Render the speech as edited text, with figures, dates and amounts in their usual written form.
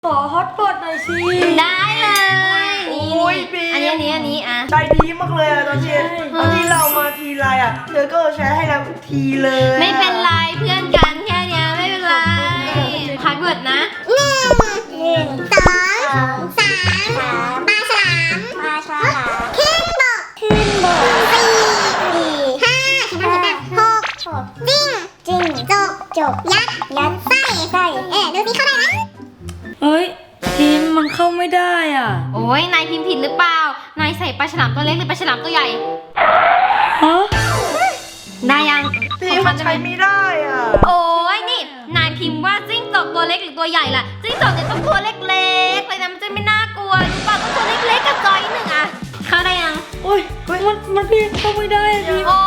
ขอฮอตพอตหน่อยสิได้เลยอันนี้อ่ะใจดีมากเลยอะตอนที่เรามาทีไรอะเธอก็แชร์ให้เราทีเลยไม่เป็นไรเพื่อนกันแค่เนี้ยไม่เป็นไรพาร์ทเวิร์ดนะ 1 2 3ปลาฉลามขึ้นบก4 5ฉันทำได้6จิ้งจกยัดไส้ดูสิเข้าได้ไหมเฮ้ยทีมมันเข้าไม่ได้อ่ะโอ้ยนายพิมพ์ผิดหรือเปล่านายใส่ปลาฉลามตัวเล็กหรือปลาฉลามตัวใหญ่ฮะได้ยังพี่มันใช้ไม่ได้อ่ะโอ้ยนี่นายพิมพ์ว่าจิ้งจอกตัวเล็กหรือตัวใหญ่ล่ะจิ้งจอกเนี่ยต้องตัวเล็กๆเลยนะมันจะไม่น่ากลัวรู้ป่ะต้องตัวเล็กๆกับจอยหนึ่งอ่ะเข้าได้ยังโอ้ยมันพี่เข้าไม่ได้อะทีมโอ้